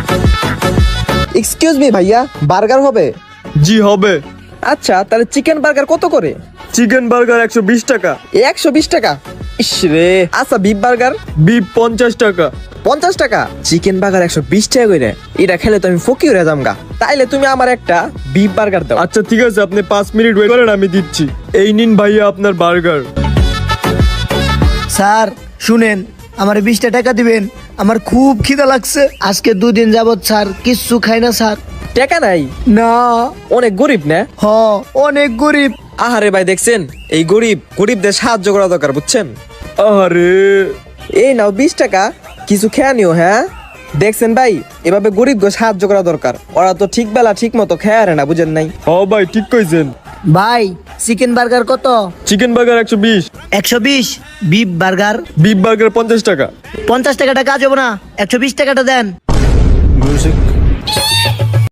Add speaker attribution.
Speaker 1: Excuse me ভাইয়া, burger হবে?
Speaker 2: জি হবে।
Speaker 1: আচ্ছা, তাহলে চিকেন বার্গার কত করে?
Speaker 2: চিকেন বার্গার 120 টাকা।
Speaker 1: 120 টাকা? ইস রে। আচ্ছা, বিফ বার্গার?
Speaker 2: বিফ 50 টাকা।
Speaker 1: 50 টাকা? চিকেন বার্গার 120 টাকা করে? এটা খেলে তো আমি ফকির হয়ে যামগা। তাইলে তুমি আমার একটা বিফ বার্গার দাও।
Speaker 2: আচ্ছা ঠিক আছে, আপনি 5 মিনিট ওয়েট করেন, আমি দিচ্ছি। এই নিন ভাইয়া আপনার বার্গার।
Speaker 3: স্যার শুনেন, আমার 20টা টাকা দিবেন, আমার খুব খিদা লাগছে। আজকে 2 দিন যাবত স্যার কিচ্ছু খাই না স্যার।
Speaker 1: টাকা নাই?
Speaker 3: না।
Speaker 1: অনেক গরিব না?
Speaker 3: হ, অনেক গরিব।
Speaker 1: আহারে ভাই, দেখছেন এই গরিবদের সাহায্য করা দরকার, বুঝছেন?
Speaker 2: আরে
Speaker 1: এই নাও 20 টাকা, কিছু খেয়ে নিও। হ্যাঁ দেখছেন ভাই, এভাবে গরিবকে সাহায্য করা দরকার। ওরা তো ঠিক বেলা ঠিক মতো খেয়ে আরে না, বুঝেন নাই?
Speaker 2: হ ভাই, ঠিক কইছেন।
Speaker 3: ভাই চিকেন বার্গার কত?
Speaker 2: Chicken burger 120।
Speaker 3: 120। Beef burger?
Speaker 2: Beef burger 50 টাকা।
Speaker 3: 50 টাকাটা কাজ হবে না, 120 টাকাটা দেন।
Speaker 2: মিউজিক।